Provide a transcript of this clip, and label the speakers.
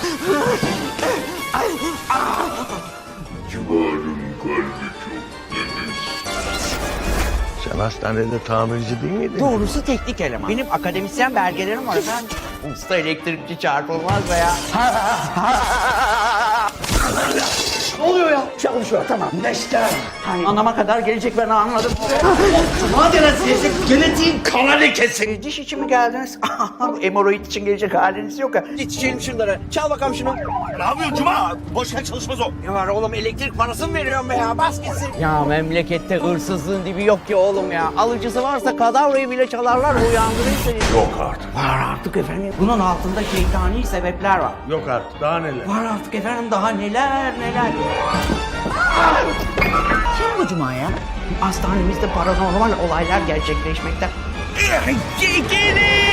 Speaker 1: Civarın kalbi çok temiz.
Speaker 2: Sen hastanede tamirci değil miydin?
Speaker 3: Doğrusu teknik eleman. Benim akademisyen belgelerim var efendim. Usta elektrikçi çarpılmaz be ya. Ne oluyor ya?
Speaker 4: Çalışıyor tamam. Neşter.
Speaker 3: Hani anama kadar gelecek ben anladım.
Speaker 4: Madem sizin genetiğin kana lekesi.
Speaker 3: Diş için mi geldiniz? Hemoroid için gelecek haliniz yok ya.
Speaker 4: İçelim şunları. Çal bakalım şunu.
Speaker 1: Ne yapıyorsun Cuma? Boşver çalışmaz o.
Speaker 3: Ne var oğlum elektrik parası mı veriyorum be ya? Bas gitsin. Ya memlekette hırsızlığın dibi yok ki oğlum ya. Alıcısı varsa kadavrayı bile çalarlar uyandırır seni.
Speaker 2: Yok artık.
Speaker 3: Var artık efendim. Bunun altında şeytani sebepler var.
Speaker 2: Yok artık. Daha neler?
Speaker 3: Var artık efendim daha neler neler. Kim bu Cuma ya? Hastanemizde paranormal olaylar gerçekleşmekte. Gelin!